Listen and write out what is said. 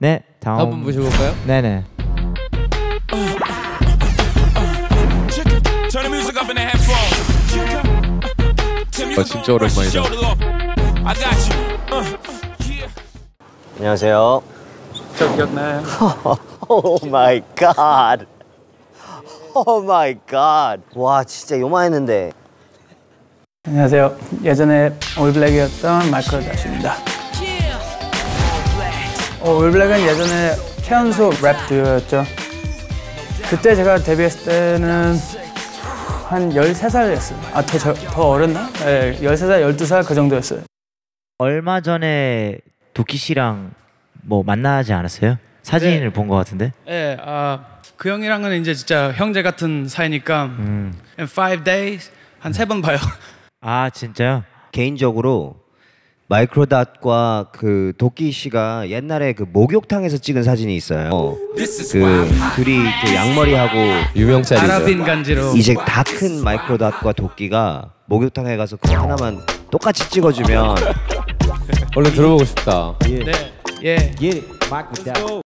네, 다음 분 모셔볼까요? 네네. 진짜 오랜만이다. 안녕하세요. 저 기억나요? 오 마이 갓. 오 마이 갓. 와 진짜 요만했는데. 안녕하세요. 예전에 올블랙이었던 마이클 다시입니다. 올블랙은 예전에 최연소 랩 듀오였죠. 그때 제가 데뷔했을 때는 한 13살이었어요. 아, 더 어렸나? 네, 13살, 12살 그 정도였어요. 얼마 전에 도끼 씨랑 뭐 만나지 않았어요? 사진을 본 것 같은데? 네, 그 형이랑은 이제 진짜 형제 같은 사이니까 in 5 days 한 3번 봐요. 아 진짜요? 개인적으로 마이크로닷과 그 도끼 씨가 옛날에 그 목욕탕에서 찍은 사진이 있어요. 그 둘이 그 양머리하고 유명 짤이죠. 아랍인 간지로. 이제 다 큰 마이크로닷과 도끼가 목욕탕에 가서 그거 하나만 똑같이 찍어주면 얼른 들어보고 싶다. 네, 예. Get it, Michael.